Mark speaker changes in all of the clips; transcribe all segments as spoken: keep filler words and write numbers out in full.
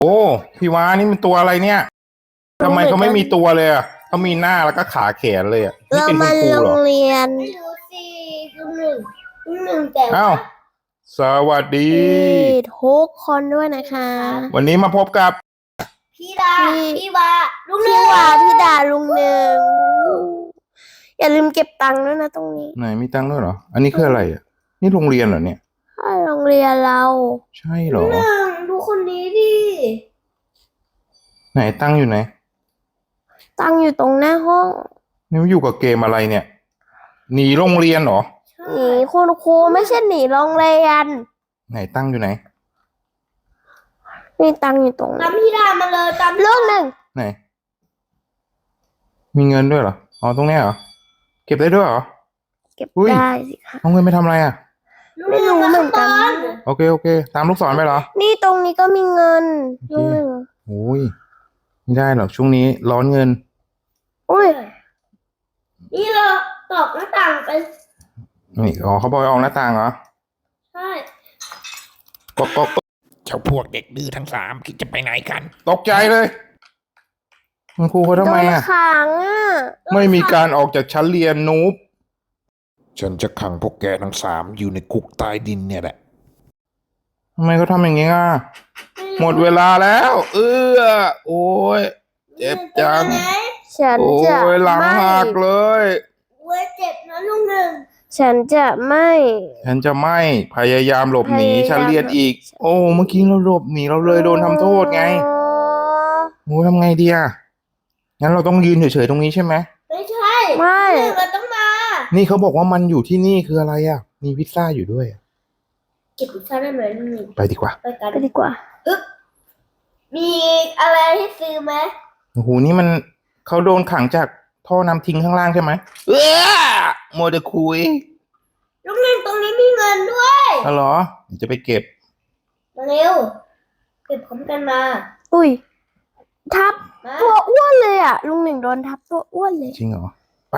Speaker 1: โอ้พี่วานี่มันตัวอะไรเนี่ยทำไมเขาไม่มีตัวเลยอ่ะเขามีหน้าแล้วก็ขาแขนเลยอ่ะนี่
Speaker 2: เรา
Speaker 1: เป็นคุ
Speaker 2: มา
Speaker 1: ณครูเหรอ
Speaker 2: โรงเรียน
Speaker 3: ไม่รู้สิลุงหนึ่งลุงหนึ่งแต่
Speaker 1: อ้า
Speaker 3: ว่าว
Speaker 1: สวัสดี
Speaker 2: พี่ทุกคนด้วยนะคะ
Speaker 1: วันนี้มาพบกับ
Speaker 3: พี่ดา
Speaker 2: พี่
Speaker 3: พี่วาลุงหนึ่
Speaker 2: พี่
Speaker 3: ง
Speaker 2: วาพี่ดาลุงหนึ่งอย่าลืมเก็บตังค์ด้วยนะตรงนี้
Speaker 1: ไหนมีตังค์ด้วยเหรออันนี้คืออะไรอ่ะนี่โรงเรียนเหรอเนี่ย
Speaker 2: ถ้าโรงเรียนเรา
Speaker 1: ใช่เหร
Speaker 3: ลุ
Speaker 1: อง
Speaker 3: หนึ่งดูคนนี้ดิ
Speaker 1: ไหนตังค์อยู่ไหน
Speaker 2: ตังค์อยู่ตรงหน้าห้อง
Speaker 1: นี่มันอยู่กับเกมอะไรเนี่ยหนีโรงเรียนเหรอ
Speaker 2: หนีคุณครูไม่ใช่หนีโรงเรียน
Speaker 1: ไหนตังค์อยู่ไหน
Speaker 2: มีตังค์อยู่ตรง
Speaker 3: ตา
Speaker 2: นี้
Speaker 3: มพี่ดามาเลยตาม
Speaker 2: ลูกหนึ่ง
Speaker 1: ไหน มีเงินด้วยเหรออ๋อตรงเนี้ยเหรอเก็บได้ด้วยเหรอ
Speaker 2: เก็บ
Speaker 1: อุ้ย
Speaker 2: ได้สิคะ
Speaker 1: เอาเงินไปทำอะไรอ่ะ
Speaker 3: ลุงหนึ่ง
Speaker 2: ไม่รู้
Speaker 3: มา
Speaker 2: เหมื
Speaker 3: ข้า
Speaker 2: อง น
Speaker 3: บ
Speaker 2: กัน
Speaker 3: น
Speaker 1: โอเคโอเค ตามลูกศรไปเหรอ
Speaker 2: นี่ตรงนี้ก็มีเงิน
Speaker 1: โอเค
Speaker 2: ลูกหนึ่ง
Speaker 1: โอ้ยไม่ได้หรอกช่วงนี้ร้อนเงิน
Speaker 2: อุ้ย
Speaker 3: นี่เราตอกหน้าต่างไป
Speaker 1: นี่อ๋อเขาบอกให้ออกหน้าต่างเหรอ
Speaker 3: ใช่
Speaker 1: ก็ก็ก็
Speaker 4: เจ้าพวกเด็กดื้อทั้งสามคิดจะไปไหนกัน
Speaker 1: ตกใจเลยคุณครูเขาทำไมอ่ะ
Speaker 2: โดนขังอ่ะ
Speaker 1: ไม่มีการออกจากชั้นเรียนนูบ
Speaker 4: ฉันจะขังพวกแกทั้งสามอยู่ในคุกใต้ดินเนี่ยแหละ
Speaker 1: ทำไมเขาทำอย่างงี้อ่ะหมดเวลาแล้ว เออโอ้ยเจ็บจัง
Speaker 3: เป็นไง
Speaker 2: ฉัน
Speaker 1: โอ้
Speaker 2: จะ
Speaker 1: ยหลัง
Speaker 2: ไม่
Speaker 1: หักเลย
Speaker 3: เว้ยเจ็บนะลุงหนึ่ง
Speaker 2: ฉันจะไม่
Speaker 1: ฉันจะไม่พยายามหลบหนี
Speaker 2: พยายาม
Speaker 1: ชั้นเรียนอีก โอ้เมื่อกี้เราหลบหนีเราเลยโดนทำโทษไง
Speaker 2: อ๋อ
Speaker 1: โอ้ทำไงดีอ่ะงั้นเราต้องยืนเฉยๆตรงนี้ใช่ไหม
Speaker 3: ไม่ใช่
Speaker 2: ไม่
Speaker 3: ลุงหนึ่งเราต้องมา
Speaker 1: นี่เขาบอกว่ามันอยู่ที่นี่คืออะไรอ่ะ มีพิซซ่าอยู่ด้วยอะ
Speaker 3: เก็บพิซซ่าได้ไหมลุงหนึ่ง
Speaker 1: ไปดีกว่า
Speaker 3: ไปกัน
Speaker 2: ไปดีกว่า
Speaker 3: อึ๊บมีอะไรให้ซื้อไหม
Speaker 1: โอ้โหนี่มันเขาโดนขังจากท่อน้ำทิ้งข้างล่างใช่ไหมเออโมเดลคุย
Speaker 3: ลุงหนึ่งตรงนี้มีเงินด้วย
Speaker 1: อ๋อเหรอเดี๋ยวจะไปเก็บ
Speaker 3: มาเร็วเก็บพร้อมกันมา
Speaker 2: อุ้ย ทับ
Speaker 3: มา
Speaker 2: ตัวอ้วนเลยอ่ะ ลุงหนึ่งโดนทับตัวอ้วนเลย
Speaker 1: จริงเหรอ ไป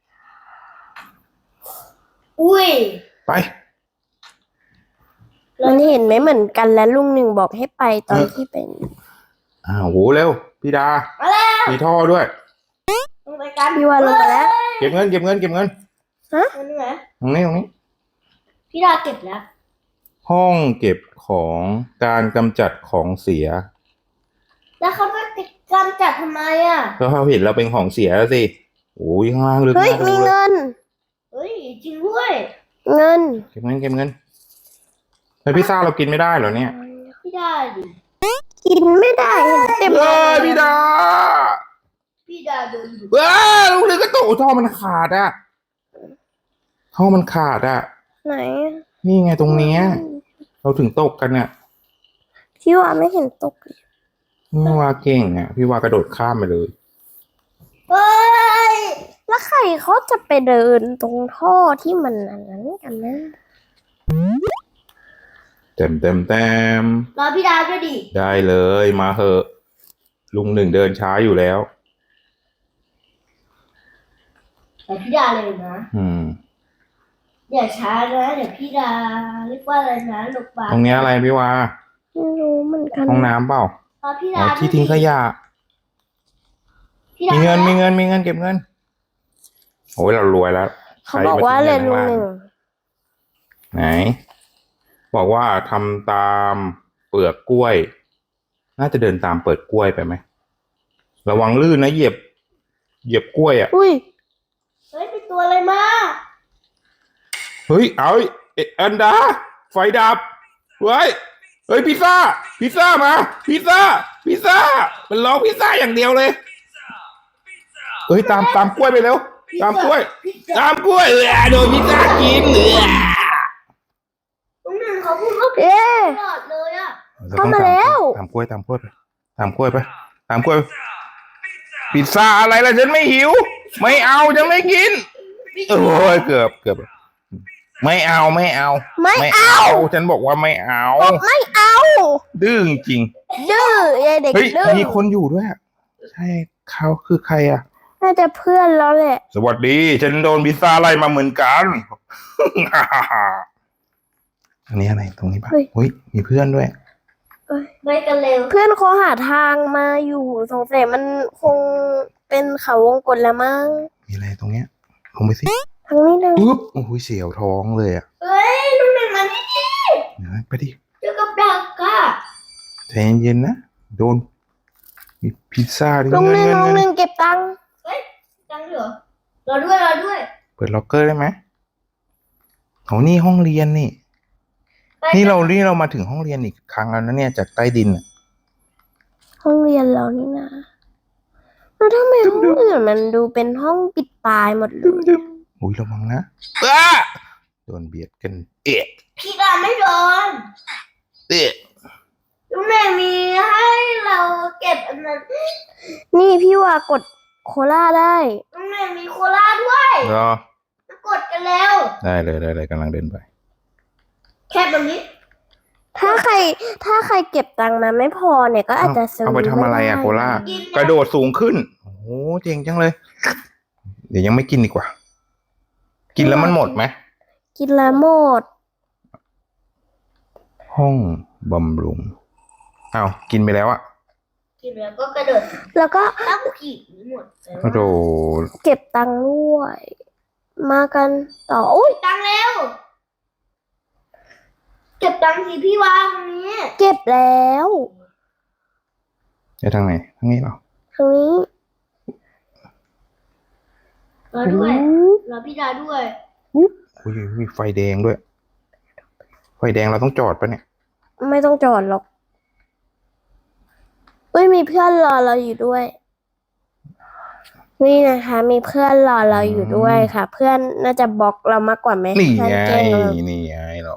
Speaker 3: อุ้ย
Speaker 1: ไป
Speaker 2: มันเห็นไม่เหมือนกันแล้วลุงหนึ่งบอกให้ไปตอนที่เป็น
Speaker 1: อ้าวโหเร็ว พี่ดา
Speaker 3: มาแล้ว
Speaker 1: มีท่อด้วย
Speaker 3: ลงไปกัน
Speaker 2: พี่ว่าลงไปแล้ว
Speaker 1: เก็บเงินเก็บเงินเก็บเงิน
Speaker 3: อันนี้ไหม
Speaker 1: ตรงนี้ตรงนี้
Speaker 3: พี่ดาเก็บแล้ว
Speaker 1: ห้องเก็บของการกำจัดของเสีย
Speaker 3: แล้วเขาไม่ติดกำจัดทำไมอ่ะ
Speaker 1: ก็เขาเห็นเราเป็นของเสียแล้วสิโอ้ยข้างล่างลึก
Speaker 2: เฮ้ย
Speaker 1: มาก
Speaker 2: มี
Speaker 1: เลย
Speaker 2: เงิน
Speaker 3: เฮ้ยจริงด้วย
Speaker 2: เงิน
Speaker 1: เก็บเงินเก็บเงินเฮ้ยพิซซ่าเรากินไม่ได้เหรอเนี่ย
Speaker 3: พี่ดาดิ
Speaker 2: กินไม่ได้เห็นเต็ม
Speaker 1: เฮ้ยพี่ดา
Speaker 3: พี่ดาโดนอยู่
Speaker 1: เว้ยลูกเรือก็ตกท่อมันขาดอ่ะท่อมันขาดอ่ะ
Speaker 2: ไหน
Speaker 1: นี่ไงตรงเนี้ย เราถึงตกกันอ่ะ
Speaker 2: พี่ว่าไม่เห็นตกเลย
Speaker 1: พี่ว่าเก่งอ่ะ พี่ว่ากระโดดข้ามไปเลย
Speaker 3: เฮ้ย
Speaker 2: แล้วใครเขาจะไปเดินตรงท่อที่มันอันนั้นกันนะ
Speaker 1: เต็มเต็มเต็ม
Speaker 3: รอพี่ดาด้วยดิ
Speaker 1: ได้เลยมาเหอะ ลุงหนึ่งเดินช้าอยู่แล้ว
Speaker 3: แต่พี่ดาเลยนะ
Speaker 1: อืม
Speaker 3: อย่าช้านะเดี๋ยวพี่ดาเรียกว่าอะไรนะหลบปาก
Speaker 1: ตรงเนี้ยอะไรพี่ว่า
Speaker 2: ไม่รู้เหมือนกัน
Speaker 1: ห้องน้ำเปล่าร
Speaker 3: อพี่
Speaker 1: อ๋
Speaker 3: ดา
Speaker 1: อที่ทิ้งขยะ
Speaker 3: พี่ดา
Speaker 1: มี
Speaker 3: มี
Speaker 1: เงินมีเงินมีเงินเก็บเงินโอ้ยเรารวยแล้ว
Speaker 2: เขาบอกว่าเลยลุงหนึ่ง
Speaker 1: ไหน บอกว่าทำตามเปลือกกล้วย น่าจะเดินตามเปิดกล้วยไปไหมระวังลื่นนะเหยียบ เหยียบกล้วยอ่ะ
Speaker 2: อุ้ย
Speaker 3: เฮ้ยเป็นตัวอะไรมา
Speaker 1: เฮ้ยเอาเอ็อันดา ไฟดับเฮ้ยเฮ้ยพิซซ่า พิซซ่ามาพิซซ่า พิซซ่า มันร้องพิซซ่าอย่างเดียวเลยเฮ้ยตามตามกล้วยไปเร็ว ตามกล้วย ตามกล้วยเออโดนพิซซ่ากินเออ
Speaker 3: ลุงหนึ่งเขาพูดว่า
Speaker 2: เอ๊ะ
Speaker 3: ตลอดเลยอ่ะ
Speaker 2: เข้ามาแล้ว
Speaker 1: ตามกล้วยตามกล้วยไปตามกล้วยไปตามกล้วยไปพิซซ่าอะไรล่ะฉันไม่หิว ไม่เอาฉันไม่กินโอ้ยเกือบเกือบไม่เอาไม่เอา
Speaker 2: ไม่เอา
Speaker 1: ฉันบอกว่าไม่เอา
Speaker 2: ไม่เอา
Speaker 1: ดื้อจริง
Speaker 2: ดื้อยายเด็ก
Speaker 1: เฮ้ย
Speaker 2: ดื้อ
Speaker 1: มีคนอยู่ด้วยอะใช่เขาคือใครอ่ะ
Speaker 2: น่าจะเพื่อนแล้วแหละ
Speaker 1: สวัสดี ฉันโดนพิซซ่าไล่มาเหมือนกัน อันนี้อะไรตรงนี้ปะเฮ้ยมีเพื่อนด้วย
Speaker 3: ไปกันเร็ว
Speaker 2: เพื่อนเขาหาทางมาอยู่สงสัยมันคงเป็นเขาวงกตแล้วมั้ง
Speaker 1: มีอะไรตรงเนี้ยลงไปสิ
Speaker 2: ทางนี้นะ
Speaker 1: ปุ๊บโอ้ยเสียวท้องเลยอ่ะ
Speaker 3: เฮ้ยลุงหนึ่งมานี่ดิ
Speaker 1: เดี๋ยวไปดิ
Speaker 3: เจอกับดักอะ
Speaker 1: ใจเย็นๆนะโดนมีพิซซ่าด้วย
Speaker 2: ลุงหนึ่ง
Speaker 1: เงิน
Speaker 2: ลุงห
Speaker 1: เงิ
Speaker 2: นึ่
Speaker 1: น
Speaker 2: งเก็บตังค์
Speaker 3: เฮ้ยตังค์เหรอรอด้วยรอด้วย
Speaker 1: เปิดล็อกเกอร์ได้ไหมโอ้นี่ห้องเรียนนี่
Speaker 3: ไป
Speaker 1: นี่เรานี่เรามาถึงห้องเรียนอีกครั้งแล้วนะเนี่ยจากใต้ดินอะ
Speaker 2: ห้องเรียนเรานี่นะแล้วทำไมห้องอื่นมันดูเป็นห้องปิดตายหมดเลย
Speaker 1: อุ้ยระวังนะอ้าโดนเบียดกันเอ๊ะ
Speaker 3: พี่ดาไม่โดน
Speaker 1: เอ๊ะ
Speaker 3: ลุงหนึ่งมีให้เราเก็บอันนั้น
Speaker 2: นี่พี่ว่ากดโคล่าได้
Speaker 3: ลุงหนึ่งมีโคลาด้วย
Speaker 1: รอ
Speaker 3: มากดกันแล้ว
Speaker 1: ได้เลยได้เลยกำลังเดินไป
Speaker 3: แค่แบบนี้
Speaker 2: ถ้าใครถ้าใครเก็บตังค์มาไม่พอเนี่ยก็อาจจะซื้อ
Speaker 1: เอาไปทำอะไรอะ
Speaker 2: ม่ด้
Speaker 1: โคล่า
Speaker 3: กิน
Speaker 1: กระโดดสูงขึ้น โอ้โหเจ๋งจังเลย เดี๋ยวยังไม่กินดีกว่า กินแล้วมันหมดไหม
Speaker 2: กินละหมด
Speaker 1: ห้องบำรุงอ้าวกินไปแล้วอะ
Speaker 3: กินแล้วก็กระโดด
Speaker 2: แล้วก็
Speaker 3: ตั้งผีหมดเลย
Speaker 1: กระโดด
Speaker 2: เก็บตังค์ด้วย มากันต่ออุ้ย
Speaker 3: ตังค์เร็วเก็บตังค์สิพี่วางตรงนี้
Speaker 2: เก็บแล้ว
Speaker 1: ไปทางไหนทางนี้เหรอ
Speaker 2: ทางนี้
Speaker 3: รอด้วยรอพี่ดาด้วย
Speaker 1: อุ้ยมีไฟแดงด้วย ไฟแดงเราต้องจอดปะเนี่ย
Speaker 2: ไม่ต้องจอดหรอกอุ้ยมีเพื่อนรอเราอยู่ด้วย นี่นะคะ มีเพื่อนรอเราอยู่ด้วยค่ะ เพื่อนน่าจะบล็อกเรามากกว่าไหม
Speaker 1: นี่
Speaker 2: เพื่อน
Speaker 1: ไง
Speaker 2: แกล้งเรา
Speaker 1: นี่ไงเรา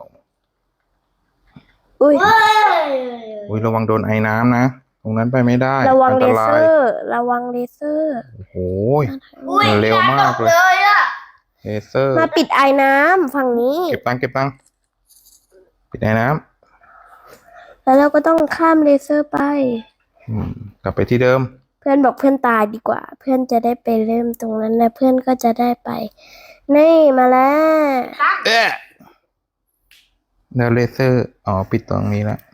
Speaker 2: อุ้ย
Speaker 3: เฮ้ย
Speaker 1: อุ้ยระวังโดนไอ้น้ำนะ ตรงนั้นไปไม่ได้
Speaker 2: ระวัง
Speaker 1: อัน
Speaker 2: เล
Speaker 1: ต
Speaker 2: เซ
Speaker 1: ราย
Speaker 2: อร์ ระวังเลเซอร์
Speaker 1: โอ้โห
Speaker 3: อุ้ย
Speaker 1: มันเร็วมากเลย
Speaker 3: พี่ดตเลยอะ
Speaker 1: เลเซอร์
Speaker 2: มาปิดไอ้น้ำฝั่งนี้
Speaker 1: เก็บตังค์เก็บตังค์ปิดไอ้น้
Speaker 2: แล้วเราก็ต้องข้ามเลเซอร์ไป
Speaker 1: ำอืมกลับไปที่เดิม
Speaker 2: เพื่อนบอกเพื่อนตายดีกว่า เพื่อนจะได้ไปเริ่มตรงนั้นและเพื่อนก็จะได้ไป นี่มาแล้ว
Speaker 1: เอ๊ะแล้วเลเซอร์ อ๋อ ปิดตรงนี้แล้ว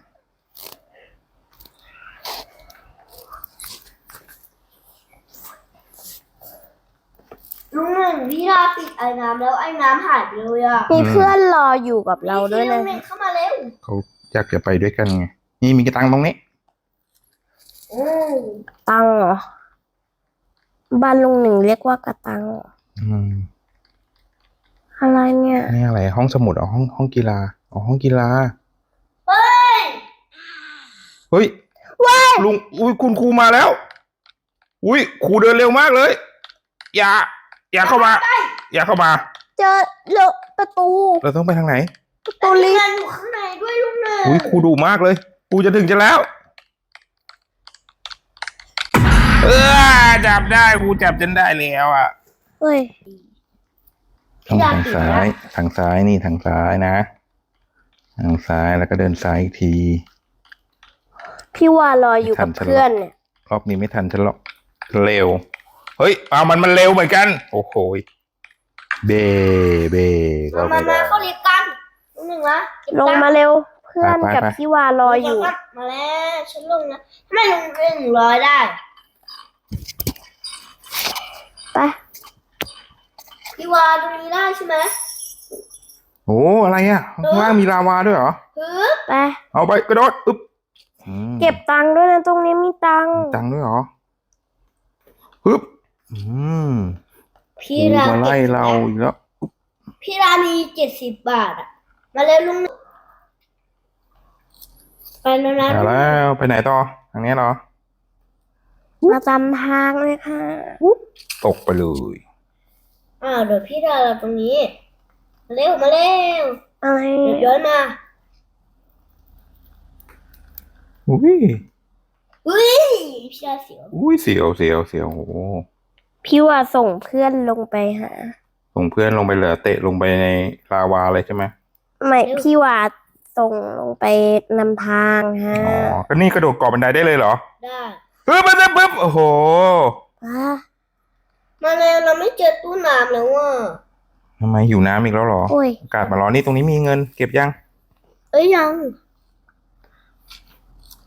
Speaker 3: ลุงหนึ่งพี่ดาปิดไอ้น้ำแล้วไอ้น้ำหายไปเลยอะ
Speaker 2: มีเพื่อนรออยู่กับเราด้วย
Speaker 3: ลุ
Speaker 2: นะ
Speaker 3: งหนึ่งเข้ามาเร็ว
Speaker 1: เขาอยากจะไปด้วยกันไง นี่มีกระตังตรงนี้
Speaker 3: อืม
Speaker 2: ตังเหรอ บ้านลุงหนึ่งเรียกว่ากระตังเหรอ
Speaker 1: อืม
Speaker 2: อะไรเนี่ย
Speaker 1: นี่อะไร ห้องสมุดอ๋อห้องห้องกีฬาอ๋อห้องกีฬา
Speaker 3: เฮ้ย
Speaker 1: เฮ้ยลุง อุ้ยคุณครูมาแล้ว อุ้ยครูเดินเร็วมากเลย อย่า อย่าเข้ามา อย่าเข้ามา
Speaker 2: เจอเลอะประตู
Speaker 1: เราต้องไปทางไหน
Speaker 2: ประ
Speaker 3: แต่
Speaker 2: ตู
Speaker 3: มี
Speaker 2: ลิฟ
Speaker 3: เงิน
Speaker 2: ต์
Speaker 3: อยู่ข้างในด้วยลุงหนึ่ง
Speaker 1: อุ้ยครูดุมากเลยครูจะถึงจะแล้ว เออจับได้ครูจับจนได้แล้วอ่ะ
Speaker 2: เฮ้ย
Speaker 1: ต้องทางซ้ายทางซ้ายนี่ทางซ้ายนะ ทางซ้ายแล้วก็เดินซ้ายอีกที
Speaker 2: พี่วารออยู่กับเพื่อนเนี่ย
Speaker 1: รอบนี้ไม่ทันฉันหรอกเร็ว เฮ้ยเอามันมันเร็วเหมือนกัน โอ้โหยเบเบก็
Speaker 3: มา
Speaker 1: ไม่
Speaker 3: มา
Speaker 1: ได้
Speaker 3: เข้าลิฟต์กันลุงหนึ่งนะเก็บ
Speaker 2: ลง
Speaker 3: ตัค์
Speaker 2: มาเร็ว เพื่อน
Speaker 1: ไปไป
Speaker 2: กับ
Speaker 1: ไป
Speaker 2: พี่วารออยู่
Speaker 3: มาแล้วฉันลงนะทำไมลุงหนึ่งร้อยได้
Speaker 2: ไป
Speaker 3: พี่วาตรงนี้ได้ใช่ไหม
Speaker 1: โอ้อะไรอ่ะข้างล่างมีลาวาด้วยเหรอ
Speaker 3: ฮึบ
Speaker 2: ไป
Speaker 1: เอาไปกระโดดอึ๊บอืม
Speaker 2: เก็บตังค์ด้วยนะตรงนี้มีตังค์
Speaker 1: มีตังค์ด้วยเหรอฮึบอืมค
Speaker 3: พี่
Speaker 1: รู
Speaker 3: รา
Speaker 1: มาไล่
Speaker 3: เก็บ
Speaker 1: เราอีกแล้ว
Speaker 3: พี่รามีเจ็ดสิบบาทอ่ะ มาเร็วลุงหนึ่งไปแล้วนะ
Speaker 1: เอาแล้วไปไหนต่อทางนี้เหรอ
Speaker 2: มาจำทางเลยค่ะ
Speaker 1: ตกไปเลย
Speaker 3: อ้าวเดี๋ยวพี่ราเราตรงนี้ มาเร็วมาเร็ว
Speaker 2: อะไร
Speaker 3: เดี๋ยวย้อนมา
Speaker 1: อุ้ย
Speaker 3: อุ้ยพี่ราเสียว
Speaker 1: อุ้ยเสียวเสียวเสียวโอ้โห
Speaker 2: พี่ว่าส่งเพื่อนลงไปหา
Speaker 1: ส่งเพื่อนลงไปเหลือเตะลงไปในลาวาเลยใช่ไหม
Speaker 2: ไม่พี่ว่าส่งลงไปนำทางฮะ
Speaker 1: อ๋อก็นี่กระโดดเกาะบันไดได้เลยเหรอ
Speaker 3: ได้
Speaker 1: ปึ๊บปึ๊บปึ๊บโอ้โห
Speaker 2: ว้า
Speaker 3: มาเร็วเราไม่เจอตู้น้ำแล้วอ่ะ
Speaker 1: ทำไมหิวน้ำอีกแล้วเหรอ
Speaker 2: โอ้ย
Speaker 1: อากาศมาร้อนนี่ตรงนี้มีเงิน เก็บยัง
Speaker 3: เอ้ยยัง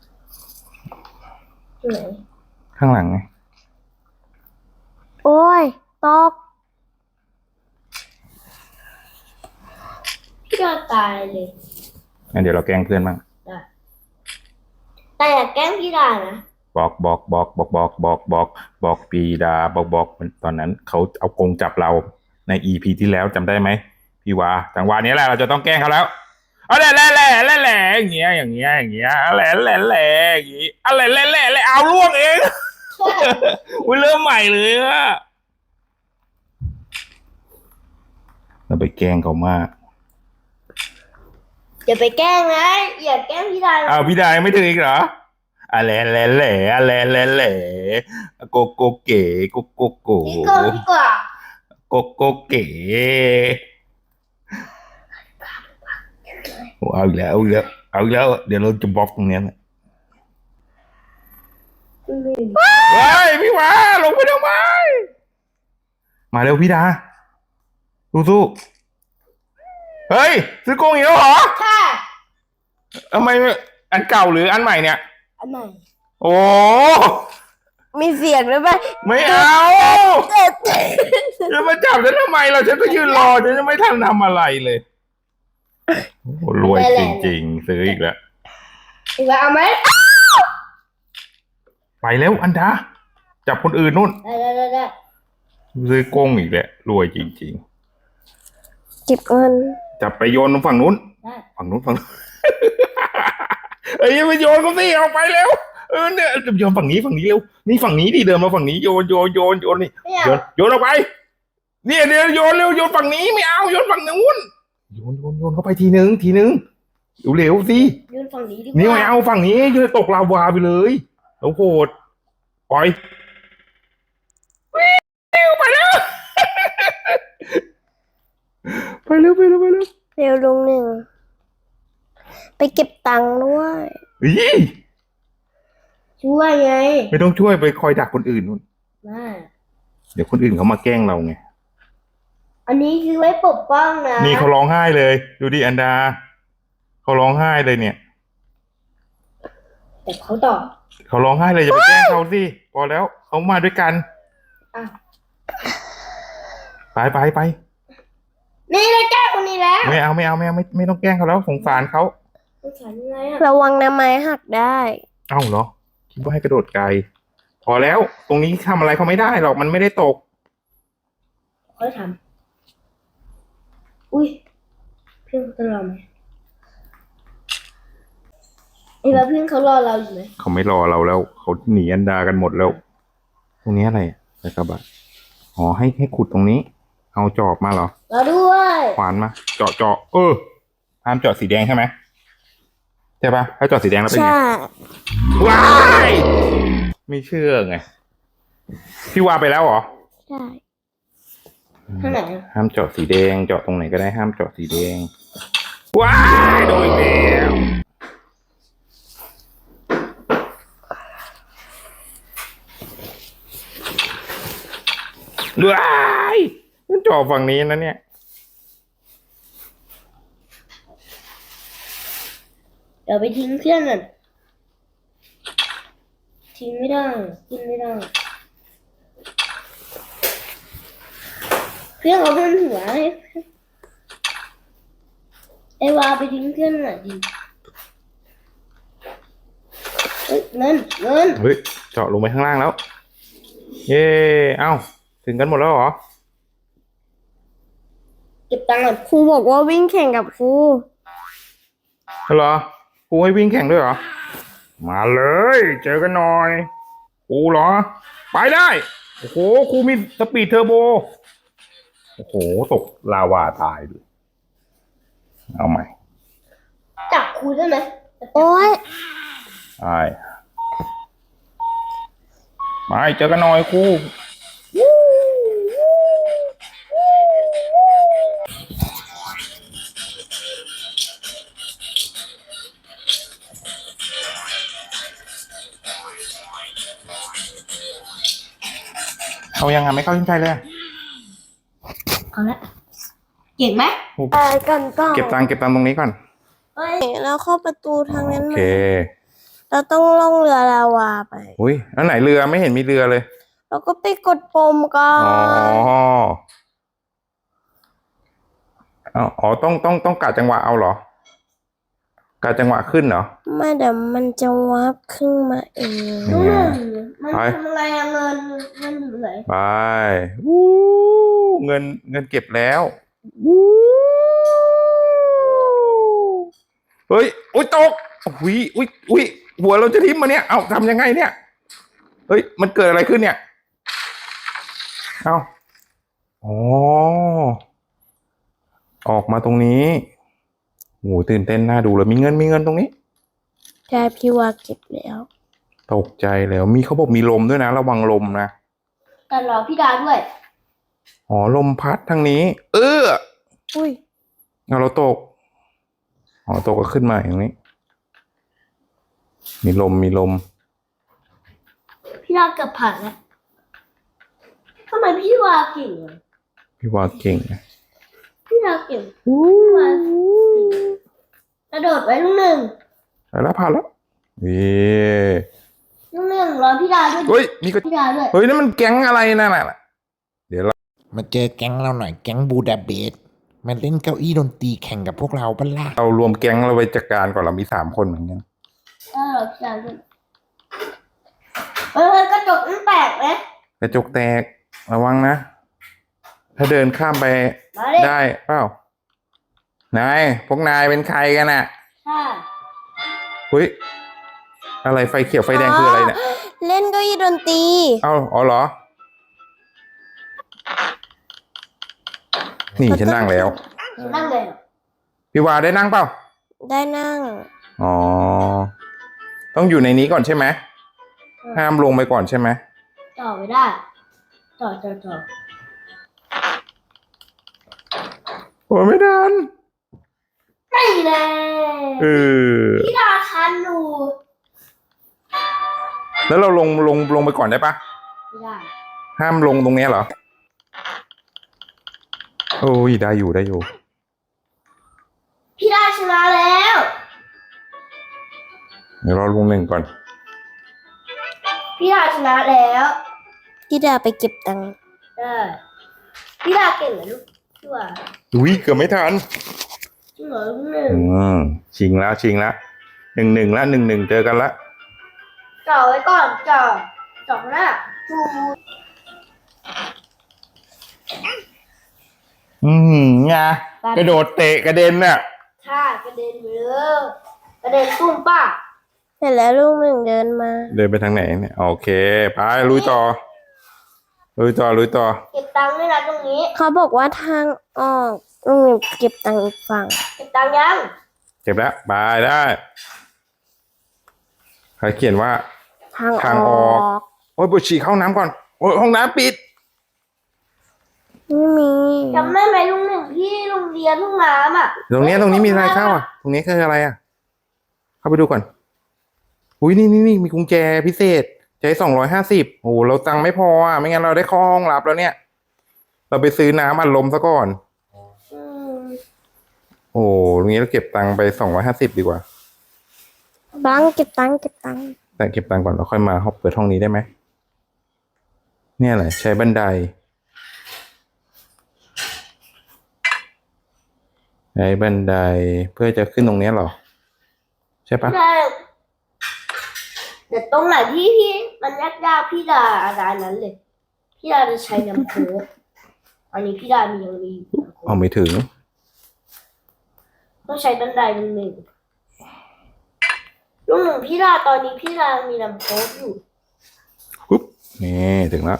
Speaker 3: ไหน
Speaker 1: ข้างหลังไง
Speaker 2: โอ้ยตก
Speaker 3: พี่ดาตายเลย
Speaker 1: งั้นเดี๋ยวเราแกล้งเพื่อนบ้าง
Speaker 3: ได้แต่อย่าแกล้งพี่ดานะ
Speaker 1: บอกบอกบอกบอกบอกบอกบอกบอกปีดาบอกบอกตอนนั้นเขาเอากรงจับเราในอีพีที่แล้วจำได้ไหมพี่วาจังหวะนี้แหละเราจะต้องแกล้งเขาแล้วอะไรแหล่แหล่แหล่แหล่อย่างเงี้ยอย่างเงี้ยอย่างเงี้ยอะไรแหล่แหล่อย่างงี้อะไรแหล่แหล่แหล่เอาล่วงเอง อุ้ยเริ่มใหม่เลยอะเราไปแกล้งเขามาก
Speaker 3: อย่าไปแกล้งนะอย่าแกล้งพี่ดานะ
Speaker 1: อ้าวพี่ดายังไม่ถึงอีกเหรออะไรแหล่แหล่อะไรแหล่แหล่โกโกเก๋โกโกโก
Speaker 3: พี่โก้พี่กว่า
Speaker 1: โกโกเก๋เอาอีกแล้วเอาอีกแล้วเอาอีกแล้วเดี๋ยวเราจะบล็อกตรงเนี้ยนะเฮ้ยพี่วาลงไปทำไมมาเร็วพี่ดาสู้ๆเฮ้ยซื้อกรงอีกแล้วเหรอ
Speaker 3: ค่ะ
Speaker 1: ทำไมอันเก่าหรืออันใหม่เนี่ย
Speaker 3: อันไหน
Speaker 1: โอ้
Speaker 2: มีเสียงด้วยปะ
Speaker 1: ไม่เอาจะมาจับฉันทำไมเราฉันก็ยืนรอฉันจะไม่ทันทำอะไรเลยโอ้โหรวยจริงๆซื้ออีกแล้ว
Speaker 3: อีกแล้วเอาไหม
Speaker 1: ไปแล้วอันดาจับคนอื่นนู่น
Speaker 3: ได้ได้ได้ได้
Speaker 1: ซื้อกงอีกแล้วรวยจริง
Speaker 2: เก็บเงิน
Speaker 1: ๆจับไปโยนฝั่งนู้น
Speaker 3: ได้
Speaker 1: ฝั่งนู้นฝั่งนู้น เอ้ยไปโยนเขาสิเอาไปเร็วเออเนี่ยโยนฝั่งนี้ฝั่งนี้เร็วนี่ฝั่งนี้ดิเดินมาฝั่งนี้โยนโยนโยนโยนนี่
Speaker 3: ไม่เอา
Speaker 1: โยนโยนออกไปเนี่ยเดี๋ยวโยนเร็วโยนฝั่งนี้ไม่เอาโยนฝั่งนู้นโยนโยนโยนเข้าไปทีนึงทีนึงเร็วๆสิ
Speaker 3: ยืนฝั่งนี้ดีก
Speaker 1: นี่
Speaker 3: ว่า
Speaker 1: ไม่เอาฝั่งนี้โยนตกลาวาไปเลยแล้วโหดปล่อยวิ่งไปแล้ว ไปเร็วไปเร็วไปเร็ว
Speaker 2: เร็วลงหนึ่ง ไปเก็บตังค์ด้วย
Speaker 1: อี
Speaker 3: ช่วยไง
Speaker 1: ไม่ต้องช่วยไปคอยดักคนอื่นนู่น
Speaker 3: ได้
Speaker 1: เดี๋ยวคนอื่นเขามาแกล้งเราไง
Speaker 3: อันนี้คือไว้ปกป้องนะ
Speaker 1: นี่เขาร้องไห้เลย ดูดิอันดาเขาร้องไห้เลยเนี่ย
Speaker 3: แต่เขาตอบ
Speaker 1: เขาร้องไห้เลยอย่าไปแกล้งเขาสิพอแล้วเขามาด้วยกัน
Speaker 3: อ่ะ
Speaker 1: ไปไปไป
Speaker 3: นี่เลยแก้คนนี้แล้ว
Speaker 1: ไม่เอาไม่เอาไม่เอาไม่ไม่ต้องแกล้งเขาแล้วสงสารเขา
Speaker 3: สงสารยังไงอ่ะ
Speaker 2: ระวังนะไม้หักได้
Speaker 1: เอ้าเหรอคิดว่าให้กระโดดไกลพอแล้วตรงนี้ทำอะไรเขาไม่ได้หรอกมันไม่ได้ตก
Speaker 3: ค่อยทำอุ้ยเพื่อนเขาจะรอไหมไอ้ว่าเพื่อนเขารอเราอยู่ไหม
Speaker 1: เขาไม่รอเราแล้วเขาหนีอันดากันหมดแล้ว ตรงนี้อะไรใส่กระบะอ๋อให้ให้ขุดตรงนี้ เอาจอบมาเหรอ
Speaker 3: รอด้วย
Speaker 1: ขวานมาเจาะเจาะเออห้ามเจาะสีแดงใช่ไหมใช่ปะถ้าเจาะสีแดงแล้วเป็นไง
Speaker 2: ใช่
Speaker 1: ว้ายไม่เชื่อไงพี่วาไปแล้วเหรอ
Speaker 2: ใช่
Speaker 3: ท่างไหนอะ
Speaker 1: ห้ามเจาะสีแดงเจาะตรงไหนก็ได้ห้ามเจาะสีแดงว้ายโดนแล้วว้ายมันเจาะฝั่งนี้นะเนี่ย
Speaker 3: เดี๋ยวไปทิ้งเพื่อนก่อนทิ้งไม่ได้กินไม่ได้ เพื่อนเขาเป็นหัวให้ไอ้วาไปทิ้งเพื่อนหน่อยดิเฮ้ยเงินเงิน
Speaker 1: เฮ้ยเจาะลงไปข้างล่างแล้ว เย้เอ้าถึงกันหมดแล้วเหรอ
Speaker 3: เก็บตังค์ก่อน
Speaker 2: ครูบอกว่าวิ่งแข่งกับครู
Speaker 1: เหรอครูให้วิ่งแข่งด้วยเหรอ มาเลย เจอกันหน่อยครูเหรอ ไปได้ โอ้โหครูมีสปีดเทอร์โบ โอ้โห ตกลาวาตายเลยเอาใหม่
Speaker 3: จับครูได้ไหม
Speaker 2: โอ้ย
Speaker 1: ไปไปเจอกันหน่อยครูเขายังไงไม่เข้าใจเลยอะ
Speaker 3: เอาละเก่งไหม
Speaker 2: ไปกันก่อน
Speaker 1: เก็บตังค์เก็บตังค์ตรงนี้ก่อน
Speaker 3: เฮ้ย
Speaker 2: แล้วเข้าประตูทางนั้น
Speaker 1: โอ
Speaker 2: ไหม
Speaker 1: เค
Speaker 2: ไปเราต้องล่องเรือลาวาไป
Speaker 1: อุ้ยอันไหนเรือไม่เห็นมีเรือเลย
Speaker 2: เราก็ไปกดปุ่มก่อ
Speaker 1: อ๋อน อ๋ออ๋อต้องต้องต้องกะจังหวะเอาเหรอกะจังหวะขึ้นเหรอ
Speaker 2: ไม่เดี๋ยวมันจะวาร์ปขึ้นมาเอง
Speaker 1: นี่
Speaker 3: ลูก
Speaker 1: ไง
Speaker 3: หนึ่งมัน
Speaker 1: ไป
Speaker 3: ทำอะไรอะเงินเงินอยู่ไหน
Speaker 1: ไปวู้เงินเงินเก็บแล้ววู้เฮ้ยอุ้ยตกอุ้ยอุ้ยอุ้ยหัวเราจะทิ่มมาเนี่ยเอาทำยังไงเนี่ยเฮ้ยมันเกิดอะไรขึ้นเนี่ยเอาอ๋อออกมาตรงนี้โหตื่นเต้นน่าดูเลยมีเงินมีเงินตรงนี้
Speaker 2: ใช่พี่ว่าเก็บแล้ว
Speaker 1: ตกใจแล้วมีเขาบอกมีลมด้วยนะระวังลมนะ
Speaker 3: แต่รอพี่ดาด้วย
Speaker 1: อ๋อลมพัดทางนี้ เออ
Speaker 2: อุ้ย
Speaker 1: เอาเราตกอ๋อตกก็ขึ้นมาอย่างนี้ มีลมมีลม
Speaker 3: พี่ดาเกือบผ่านแล้วทำไมพี่วาเก่งอะ
Speaker 1: พี่ว่าเก่งนะ
Speaker 3: พี่ดาเก่งพี่วาเก่งกระโดดไว้ลูกหนึ่ง
Speaker 1: ไปแล้วผ่านแล้วเย้
Speaker 3: ลูกหนึ่งรอพี่ดาด้วย
Speaker 1: เฮ้ยมีกระ
Speaker 3: พี่ดาด้วย
Speaker 1: เฮ้ยนั่นมันแก๊งอะไรนั่นน่ะเดี๋ยวเรา
Speaker 4: มาเจอแก๊งเราหน่อยแก๊งบูดาเบสมาเล่นเก้าอี้ดนตรีแข่งกับพวกเราบ้าล่ะ
Speaker 1: เรารวมแก๊งเราไปจัดการก่อนเรามีสามคนเหมือนกัน
Speaker 3: เออรอพี่ดาด้วยเออกระจกมันแตกไหม
Speaker 1: กระจกแตกระวังนะ ถ้าเดินข้ามไป
Speaker 3: มาดิ
Speaker 1: ได้เปล่านายพวกนายเป็นใครกันน่ะ
Speaker 3: ใช่
Speaker 1: เฮ้ยอะไรไฟเขียวไฟแดงคืออะไรเนี่ย
Speaker 2: เล่นเก้าอี้ดนตรี
Speaker 1: เอ้าอ๋อเหรอ นี่ฉันนั่งแล้ว
Speaker 3: นั่งเลยเหรอ
Speaker 1: พี่วาได้นั่งเปล่า
Speaker 2: ได้นั่ง
Speaker 1: อ๋อ ต้องอยู่ในนี้ก่อนใช่ไหม ห้ามลงไปก่อนใช่ไหม
Speaker 3: ต่อไม่ได้ต่อต่อต่อ
Speaker 1: โอ้ยไม่ทัน
Speaker 3: ไม่แน่
Speaker 1: เออ
Speaker 3: พี่ดาคันหนู
Speaker 1: แล้วเราลงลงลงไปก่อนได้ปะ
Speaker 3: ไม่ได้
Speaker 1: ห้ามลงตรงเนี้ยเหรอ โอ้ยได้อยู่ได้อยู่
Speaker 3: พี่ดาชนะแล้ว
Speaker 1: เดี๋ยวเราลงหนึ่งก่อน
Speaker 3: พี่ดาชนะแล้ว
Speaker 2: พี่ดาไปเก็บตังค์
Speaker 3: เออพี่ดาเก่งเหรอลูกพี่ว่า
Speaker 1: อุ้ยเกือบไม่ทัน
Speaker 3: จริงเหรอลูกหนึ่ง
Speaker 1: อืมชิงแล้วชิงแล้วหนึ่งหนึ่งแล้วหนึ่งหนึ่งเจอกันละ
Speaker 3: จ่อไว้ก่อนจ่อจ่อหน้าจู
Speaker 1: อืมไงกระโดดเตะกระเด็นน่ะ
Speaker 3: ท่ากระเด็นไปเลยกระเด็นตุ้มป้า
Speaker 2: เสร็จแล้วลูกหนึ่งเดินมา
Speaker 1: เดินไปทางไหนเนี่ยโอเคไปลุยต่อลุยต่อลุยต่อ
Speaker 3: เก็บตังค์ด้วยนะตรงนี้
Speaker 2: เขาบอกว่าทางออกลูกหนึ่งเก็บตังค์อีกฝั่ง
Speaker 3: เก็บตังค์ยัง
Speaker 1: เก็บแล้วไปได้ใครเขียนว่า
Speaker 2: ทาง
Speaker 1: ทาง
Speaker 2: อ
Speaker 1: อ
Speaker 2: อ
Speaker 1: อก
Speaker 2: ก
Speaker 1: โอ้ยปวดฉี่เข้าห้องน้ำก่อนโอ้ยห้องน้ำปิด
Speaker 2: ไม่มี
Speaker 3: จำได้ไหมลุงหนึ่งที่โรงเรียนทุ่งน้ำอ่ะ
Speaker 1: ตรงเนี้ยตรงนี้มีอะไรเข้าอ่ะ ตรงนี้คืออะไรอ่ะ เข้าไปดูก่อนอุ้ยนี่นี่นี่มีกุญแจพิเศษใช้สองร้อยห้าสิบโอ้โหเราตังค์ไม่พออ่ะไม่งั้นเราได้เข้าห้องลับแล้วเนี่ย เราไปซื้อน้ำอัดลมซะก่อน
Speaker 3: อืม
Speaker 1: โอ้ตรงนี้เราเก็บตังค์ไปสองร้อยห้าสิบดีกว่า
Speaker 2: บังเก็บตังค์เก็บตังค์
Speaker 1: แต่เก็บตังค์ก่อนเราค่อยมาเปิดห้องนี้ได้ไหมเนี่ยแหละใช้บันไดใช้บันไดเพื่อจะขึ้นตรงเนี้ยเหรอ ใช่ปะ
Speaker 3: ใช่เดี๋ยวตรงไหนที่พี่มันยากๆพี่ดาอะไรนั้นเลย พี่ดาจะใช้น้ำโค้กอันนี้พี่ดามียังมีอยู่น้ำโค้ก
Speaker 1: เอาไม่ถึง
Speaker 3: ต้องใช้บันไดลุงหนึ่งลุงหนึ่งพี่ดาตอนนี้พี่ดามีน้ำโค้กอยู่
Speaker 1: ปุ๊บนี่ถึงแล้ว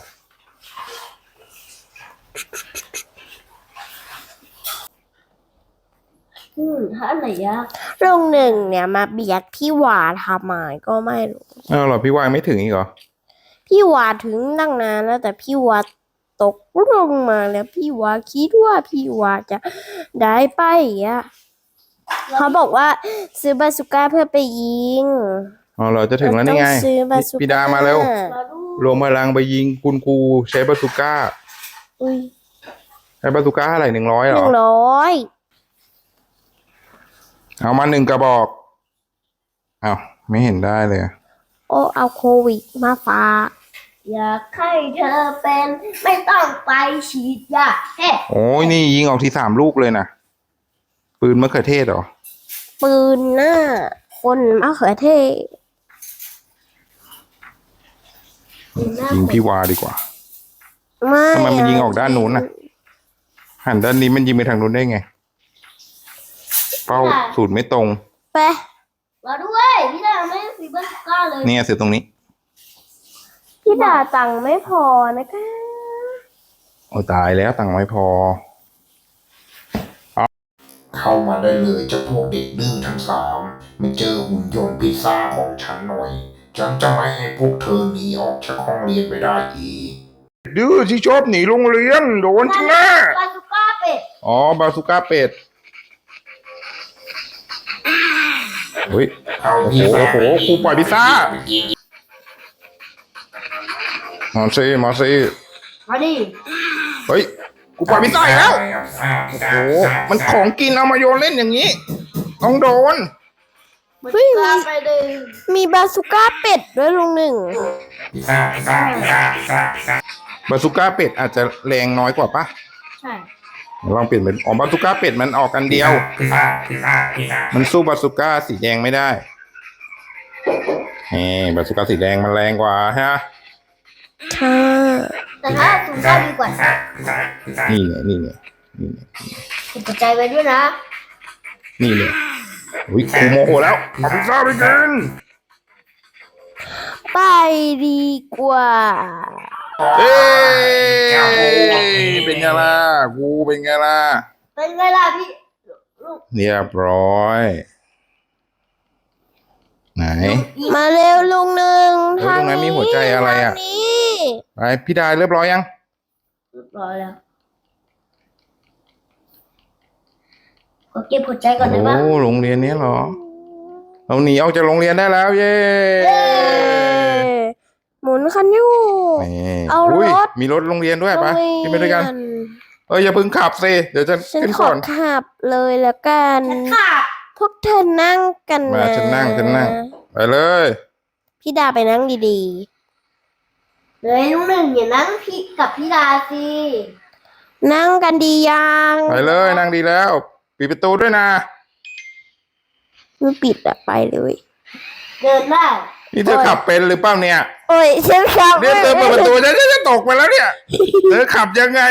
Speaker 3: อืมถ้าอันไหนยาก
Speaker 2: ลูกหนึ่งเนี่ยมาเบียดพี่หวาทำไมก็ไม่รู้
Speaker 1: อ้าวเหรอพี่วางไม่ถึงอีกเหรอ
Speaker 2: พี่วาถึงตั้งนานแล้วแต่พี่วาตกลงมาแล้วพี่วาคิดว่าพี่วาจะได้ไปอ่ะเขาบอกว่าซื้อบาสุก้าเพื่อไปยิง
Speaker 1: อ๋อเหรอจะถึงแล้วนี่ไง
Speaker 2: เราต้องซื้อบาสุก้า
Speaker 1: พี่ดามาเร็ว
Speaker 3: มาดู
Speaker 1: รวมพลังไปยิงคุณครูใช้บาซูก้า
Speaker 2: อุ้ย
Speaker 1: ใช้บาซูก้าเท่าไหร่หนึ่งร้อยเห
Speaker 2: ห
Speaker 1: ร
Speaker 2: นึ่
Speaker 1: อ
Speaker 2: งร้อย
Speaker 1: เอามาหนึ่งกระบอกเอาไม่เห็นได้เลยอะ
Speaker 2: โอ้เอาโควิดมาฝาก
Speaker 3: อยากให้เธอเป็นไม่ต้องไปฉีดยาเฮ้
Speaker 1: โอ้ยนี่ยิงออกทีสามลูกเลยนะปืนมะเขือเทศเหรอ
Speaker 2: ปืนหน้า คนมะเขือเทศ
Speaker 1: ยิงพี่วาดีกว่า
Speaker 2: ไม่
Speaker 1: ทำไมมันยิงออกด้านนู้นน่ะ หันด้านนี้มันยิงไปทางนู้นได้ไง เป้าสูตรไม่ตรง
Speaker 2: ไป
Speaker 3: มาด้วยพี่ดาไม่ฟีเบอร์สก้าเลย
Speaker 1: เนี่ยเสือตรงนี้
Speaker 2: พี่ด่าตังค์ไม่พอนะคะ
Speaker 1: โอ้ตายแล้วตังค์ไม่พอ
Speaker 4: เข้ามาได้เลยเจ้าพวกเด็กดื้อทั้งสามมาเจอหุ่นยนต์พิซซ่าของฉันหน่อย ฉันจะไม่ให้พวกเธอหนีออกจากห้องเรียนไปได้อีก
Speaker 1: ดื้อที่ชอบหนีโรงเรียนโดนใช่ไหม
Speaker 3: บาซูก้าเป็ด
Speaker 1: อ๋อบาซูก้าเป็ดเฮ้ย
Speaker 4: เอา
Speaker 1: โอ้โห
Speaker 4: พิซซ่า
Speaker 1: โอ้โหครูปล่อยพิซซ่า มาซิมาซิ
Speaker 3: มาดิ
Speaker 1: เฮ้ยกูปล่อยพิซซ่าอีกแล้ว โอ้โห มันของกินเอามาโยนเล่นอย่างนี้ ต้องโดน
Speaker 3: บา
Speaker 2: เฮ้
Speaker 3: ซู
Speaker 2: ย
Speaker 3: ก้าไปเลย
Speaker 2: มีบาซูก้าเป็ดด้วยลุงหนึ่ง
Speaker 4: พิซซ่าพิซซ่าพิซซ่าพิซซ่าพิซซ่า
Speaker 1: บาซูก้าเป็ดอาจจะแรงน้อยกว่าปะ
Speaker 3: ใช่
Speaker 1: ลองเปลี่ยนเป็นอ๋อบาซูก้าเป็ดมันออกกันเดียว
Speaker 4: พิซซ่าพิซซ่าพิซซ่า
Speaker 1: มันสู้บาซูก้าสีแดงไม่ได้นี่บาซูก้าสีแดงมันแรงกว่าฮะ
Speaker 2: ค่ะ
Speaker 3: แต่ถ้าซูก้าดีกว่า
Speaker 4: พิซซ่าพิซซ่าพิซซ่า
Speaker 1: นี่ไงนี่ไงนี่ไง
Speaker 3: ติดปัจจัยไปด้วยนะ
Speaker 1: นี่เลยอุ้ยครูโมโหแล้วเอาพิซซ่าไปกิน
Speaker 2: ไปดีกว่า
Speaker 1: เอ้ยเป็นไงล่ะกูเป็นไงล่ะ
Speaker 3: เป็นไงล่ะพี่ลูก
Speaker 1: เรียบร้อย ไหน
Speaker 2: มาเร็วลุงหนึ่ง
Speaker 1: เฮ้ยตรงนั้นมีหัวใจอะไรอะ
Speaker 2: ทางนี้
Speaker 1: ไปพี่ดาเรียบร้อยยัง
Speaker 3: เรียบร้อยแล้วขอเก็บหัวใจก่อนได้ปะ
Speaker 1: โอ้โรงเรียนนี้เหรอ เราหนีออกจากโรงเรียนได้แล้ว เย้
Speaker 2: เย้หมุนคันอยู่
Speaker 1: นี่
Speaker 2: เอารถ
Speaker 1: ยมีรถโรงเรียนด้วยปะขึ้นไปด้วยกัน เอ้ยอย่าเพิ่งขับสิเดี๋ยวจะ
Speaker 2: ฉัน
Speaker 1: ขึ้น
Speaker 2: ข
Speaker 1: ก่
Speaker 2: อ
Speaker 1: อน
Speaker 2: ขับเลยแล้วกัน
Speaker 3: ฉันขาด
Speaker 2: พวกเธอนั่งกัน
Speaker 1: มา
Speaker 2: นะ
Speaker 1: ฉันนั่งฉันนั่ง ไปเลย
Speaker 2: พี่ดาไปนั่งดี
Speaker 3: เลยลูกหนึ่งอย่านั่งพี่กับพี่ดาสิ
Speaker 2: ๆ นั่งกันดียัง
Speaker 1: ไปเลยนั่งดีแล้วปิดประตูด้วยนะ
Speaker 2: ไม่ปิดอะไปเลย
Speaker 3: เดินได้
Speaker 1: นี่เธอขับเป็นหรือเปล่าเนี่ย
Speaker 2: โอ้ยฉันขับ
Speaker 1: เนี่ยเธอเปิดประตูฉันจะตกไปแล้วเนี่ย เธอขับยังไง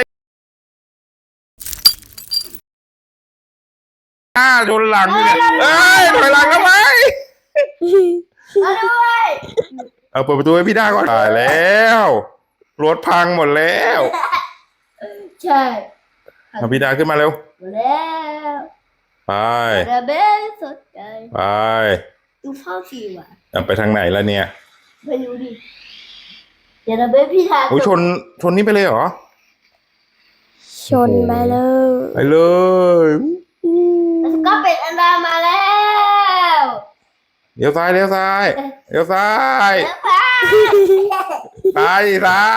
Speaker 1: อ้าโดนหลังเนี่ยเอ้ยถอยหลังทำไม
Speaker 3: มาด้วย
Speaker 1: เอาเปิดประตูให้พี่ด้าก่อนตายแล้วรถพังหมดแล้ว
Speaker 3: ใช่
Speaker 1: เอาพี่ด้าขึ้นมาเร็ว
Speaker 3: มาแล้ว
Speaker 1: ไป
Speaker 3: ระเบนสดใจ
Speaker 1: ไป
Speaker 3: ดูพ่อสีว่ะ
Speaker 1: เอาไปทางไหนแล้วเนี่ย
Speaker 3: ไม่รู้ดิเดี๋ยวระเบนพี่ดา
Speaker 1: โอ้ยชนชนนี่ไปเลยเหรอ
Speaker 2: ชนไปเลย
Speaker 1: ไปเลย
Speaker 3: แล้วก็เป็นอันดามาแล้ว
Speaker 1: เลี้ยวซ้ายเลี้ยวซ้ายเลี้ยวซ้าย
Speaker 3: แล้วค่ะ
Speaker 1: ซ้ายซ้าย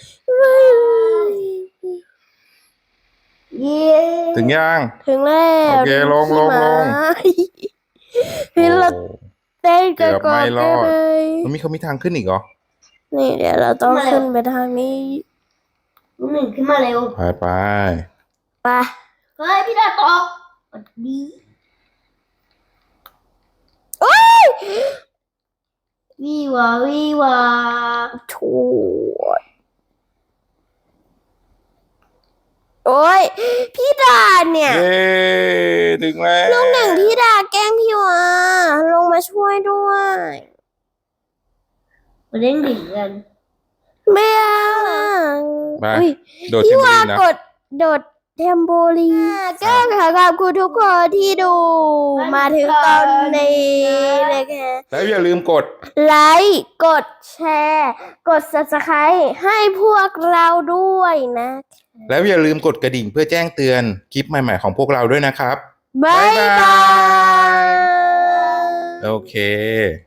Speaker 3: เย้
Speaker 1: ถึงยัง
Speaker 2: ถึงแล้ว
Speaker 1: โอเคลงลงลง
Speaker 2: พี่เรา
Speaker 1: โอ้
Speaker 2: เต้น
Speaker 1: เกื
Speaker 2: กัน
Speaker 1: อบ
Speaker 2: ก่อ
Speaker 1: ไม่
Speaker 2: น
Speaker 1: ร
Speaker 2: ได้
Speaker 1: อด
Speaker 2: เลย
Speaker 1: มันมีเขามีทางขึ้นอีกเหรอ
Speaker 2: นี่เดี๋ยวเราต้องขึ้นไปทางนี้
Speaker 3: ลูกหนึ่งขึ้นมาเร็ว
Speaker 1: ไปไป
Speaker 2: ไป
Speaker 3: เฮ้ยพี่ดาตกสวัสดี
Speaker 2: โอ้ย
Speaker 3: วีวาวีวา
Speaker 2: ถูดโอ้ยพี่ดาเนี่ย
Speaker 1: เย้ถึงแล้ว
Speaker 2: ลูกหนึ่งพี่ดาแกล้งพี่วะลงมาช่วยด้วย
Speaker 3: มาเล่นดิ่งกัน
Speaker 2: ไม่เอา
Speaker 1: ไป
Speaker 2: อุ๊ย
Speaker 1: โดด
Speaker 2: พี่
Speaker 1: เทมโบ
Speaker 2: วา
Speaker 1: ลีนนะ
Speaker 2: กดโดดเทมโบลีนก็ขอขอบคุณทุกคนที่ดู มาถึงตอนนี้นะคะ
Speaker 1: แล้วอย่าลืมกด
Speaker 2: ไลค์กดแชร์ กด subscribe ให้พวกเราด้วยนะ
Speaker 1: แล้วอย่าลืมกดกระดิ่งเพื่อแจ้งเตือนคลิปใหม่ๆของพวกเราด้วยนะครับ
Speaker 2: บ๊ายบาย
Speaker 1: โอเค